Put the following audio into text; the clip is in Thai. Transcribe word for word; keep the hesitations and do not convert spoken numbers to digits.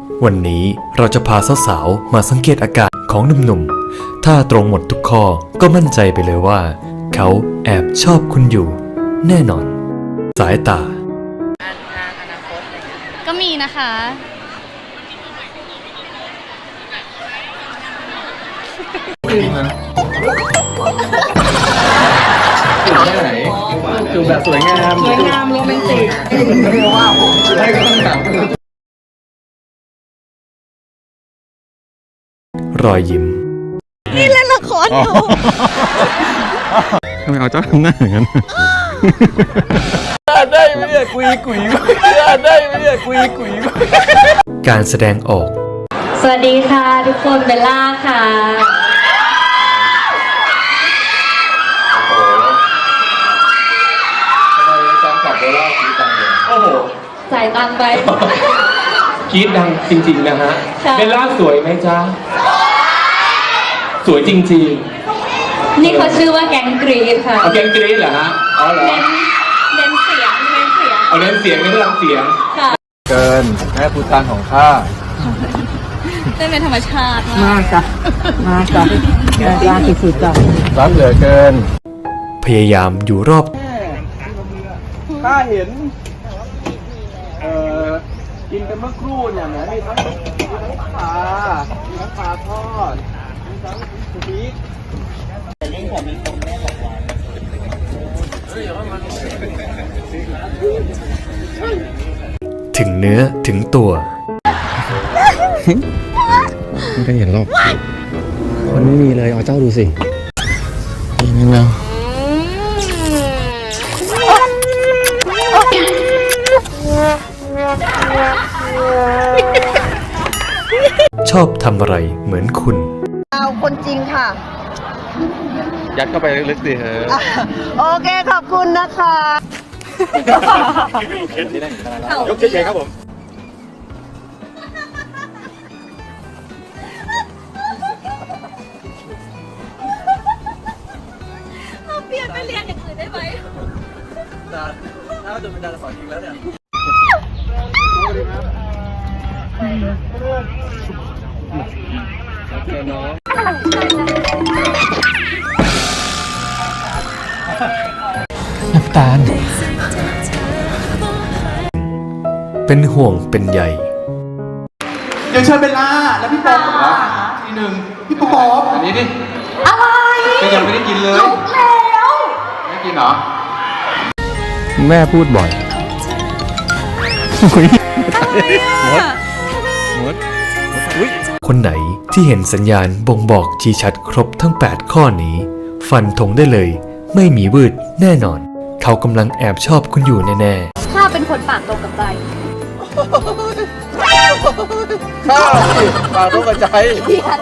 วันนี้เราจะพาสาวๆมาสังเกตอาการของหนุ่มๆถ้าตรงหมดทุกข้อก็มั่นใจไปเลยว่าเขาแอบชอบคุณอยู่แน่นอนสายตาก็มีนะคะจูบแบบสวยงามสวยงามโรแมนติกว้าวได้ก็ต้องถามรอยยิ้มนี่เล่นละครอยู่ทำไมเอาเจ้าทำหน้าอย่างนั้นได้ไหมเนี่ยกุยกุยได้ไหมเนี่ยกุยกุยการแสดงออกสวัสดีค่ะทุกคนเบลล่าค่ะโอ้โหจ่ายตังค์ไปคิดดังจริงๆนะฮะเบลล่าสวยไหมจ๊ะสวยจริงๆนี่เขาชื่อว่าแก๊งกรีดค่ะเอาแก๊งกรีดเหรอฮะอ๋อเหรอเน้นเน้นเสียงเน้นเสียงเอาเน้นเสียงไม่ได้รับเสียงค่ะเกินแม่พูดตานของข้าเต้นเป็นธรรมชาติมากจ้ะมาจ้ะยากที่สุดจ้ะรักเหลือเกินพยายามอยู่รอบข้าเห็นเอ่อกินกันเมื่อครู่เนี่ยนะมีทั้งมีทั้งปลามีทั้งปลาทอดมีทั้งพริกถึงเนื้อถึงตัวไม่ได้เห็นหรอกมันไม่มีเลยเอาเจ้าดูสินี่แล้วชอบทำอะไรเหมือนคุณเอาคนจริงค่ะยัดเข้าไปลึกๆสิเฮ้ยโอเคขอบคุณนะคะยกเฉยๆครับผมเราเปลี่ยนไปเรียนอย่างอื่นได้ไหมดาถ้าจะเป็นดาราสอนจริงแล้วเนี่ยโอเคเนาะน้ำตาลเป็นห่วงเป็นใยเดี๋ยวเชิญเบลล่าแล้วพี่ป๊อบครับทีหนึ่งพี่ป๊อบอันนี้ดิอะไรก็ยังไม่ได้กินเลยลุกแล้วไม่กินเหรอแม่พูดบ่อยมดมดคนไหนที่เห็นสัญญาณบ่งบอกชี้ชัดครบทั้งแปดข้อนี้ฟันธงได้เลยไม่มีวืดแน่นอนเขากำลังแอบชอบคุณอยู่แน่ๆข้าเป็นคนปากตรงกับใจข้าสิปากตรงกับใจเพียน